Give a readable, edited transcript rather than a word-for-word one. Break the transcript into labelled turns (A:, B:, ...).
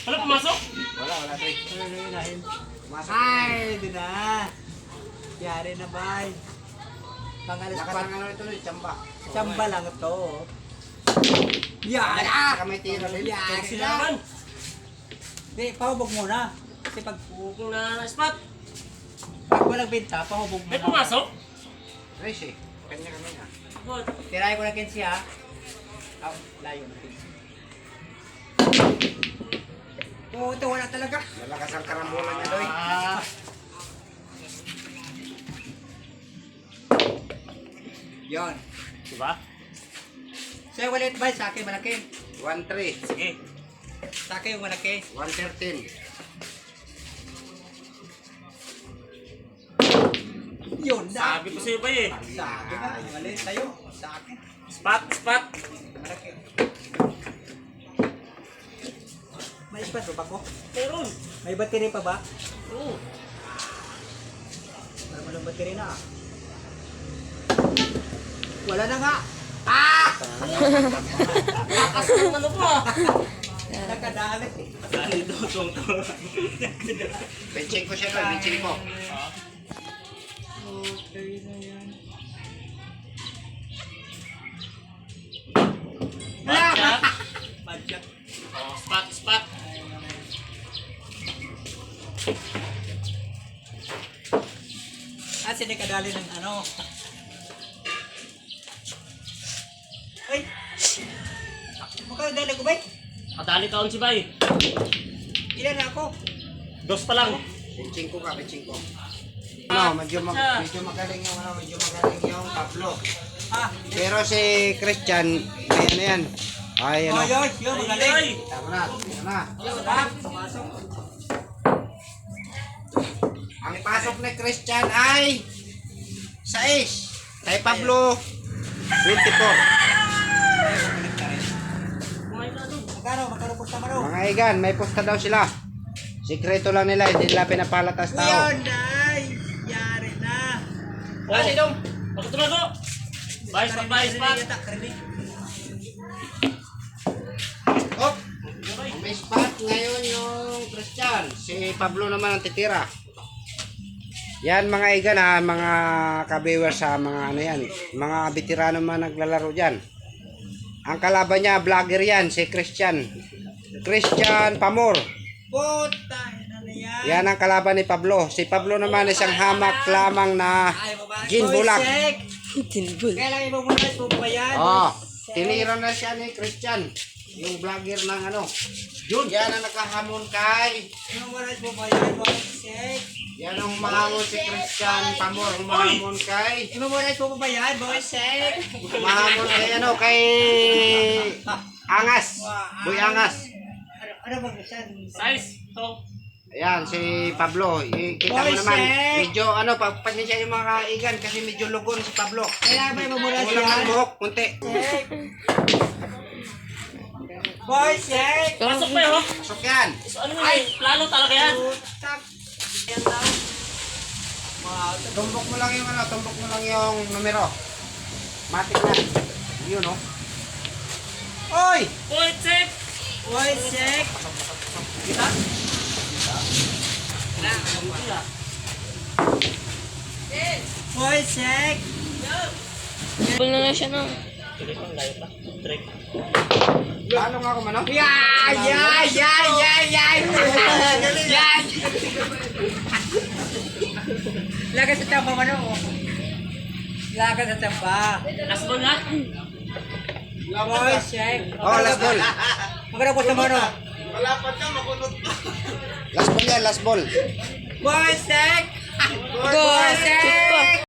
A: Wala pumasok?
B: Wala, Trey.
C: Ano na yun?
B: Pumasok.
C: Ay, doon na. Yari na, bay. Pangalas
B: Lakas
C: pa.
B: ng ano ito, Chamba.
C: Chamba lang ito. Yari!
B: Saka may tira rin.
C: Yari
A: Sila
C: na.
A: naman.
C: Hindi, pahubog muna. Kasi pag
A: Bukong na spot.
C: walang binta, pahubog
A: May
C: muna.
A: pumasok?
B: Trace eh. Kanya-kanya na.
A: Good.
C: Tirahin ko na Kenzie ha. Oh, layo na Kenzie. Puto, wala talaga.
B: Malakas ang karambolan niya, Doy.
C: Yon.
A: Diba?
C: Sa'yo walit ba? Sa akin malaki.
B: 1-3.
A: Sige.
C: Sa akin yung malaki.
B: 1-13.
C: Yun na.
A: Sabi ko sa'yo ba eh.
C: Sa akin na. Walit tayo. Sa akin.
A: Spot, spot.
C: Malaki. May ispat ba ko?
A: Meron.
C: May battery pa ba?
A: Oo.
C: Wala mo ng battery na. Wala na nga. Ah!
A: Lakas ng ano pa.
C: Nakadali.
A: Dali dutong to.
B: Benching ko siya, Doy. Benching ko.
C: Okay na yan.
A: Badya.
C: Badyak.
A: Oh, spot, spot.
C: Ah, sinikadali ng ano. Ay! Makadali ko ba?
A: Kadali taon si Bay.
C: Ilan na ako?
A: Dos pa lang.
B: Benching ko ka, benching ko. Ano, medyo magaling yung medyo magaling yung Pablo.
C: Ah!
B: Pero si Christian, may ano yan. Ay, ano.
C: Oh, yun, magaling.
A: Ay,
B: Tama na, tama na.
C: Ah, pumasok.
B: Ang pasok ni Christian ay 6. Kay Pablo, 24.
A: kumain na doon.
C: Magkano po sa mano?
B: Mga igan, may posta daw sila. Sikreto lang nila, hindi nila pinapalatas tao.
C: Yun, ay! Yari na.
A: Ah, si Dong. Pagkatulad ko. Bay, spot, bay, spot.
B: Oh, may spot ngayon yung Christian. Si Pablo naman ang titira. Yan mga igan ha, mga kabiwer sa mga ano yan. Mga veterano man naglalaro dyan. Ang kalaban niya, vlogger yan, si Christian. Christian Pamor.
C: Puta, ano na yan?
B: Yan ang kalaban ni Pablo. Si Pablo naman isang hamak lamang na
C: Ay, babae.
B: ginbulag.
C: Ginbulag. Kailangan ibang muna po ba yan?
B: Oh, tinira na siya ni Christian. Yung vlogger ng ano. Yun, yan ang nakahamon kay.
C: Ibang muna po ba yan? Boysek.
B: Yan ang mahamon si Christian Pamor. Mahamon kay.
C: Ibang muna po ba yan? Boysek.
B: Mahamon kay ano, kay Angas. Boy Angas.
C: Ano bang yan?
A: Size. To.
B: Ayan, si Pablo. Kita mo
C: Boy,
B: naman,
C: Sek.
B: medyo ano, pagpansya yung mga kaigan kasi medyo lugon si Pablo.
C: Kailangan ba ibang muna
B: Kulang
C: yan?
B: ang buhok, kunti.
C: Boysek.
A: Pasok pa yun.
B: Pasok yan.
A: So, ano yun? Plano talaga yan.
C: Putak.
A: Yan daw.
B: Tumbok mo lang yung ano, tumbok mo lang yung numero. Matik na. Yun, oh. Oy!
A: Uy, check.
C: Boysek.
A: Kita?
C: Boysek.
D: Ball na nga siya no.
A: Tuloy pang layo pa. Trick.
B: Paano nga ako, mano?
C: Yan! Yan! Yan! Yan! Yan! Yan! Lagas sa tamba mo no? Lagas sa tamba.
A: Last ball na.
C: Boysek.
B: Oh, last ball.
C: Magkano po sa mano?
B: Last ball yan, last ball.
C: Boysek.
D: Go! Chip pa.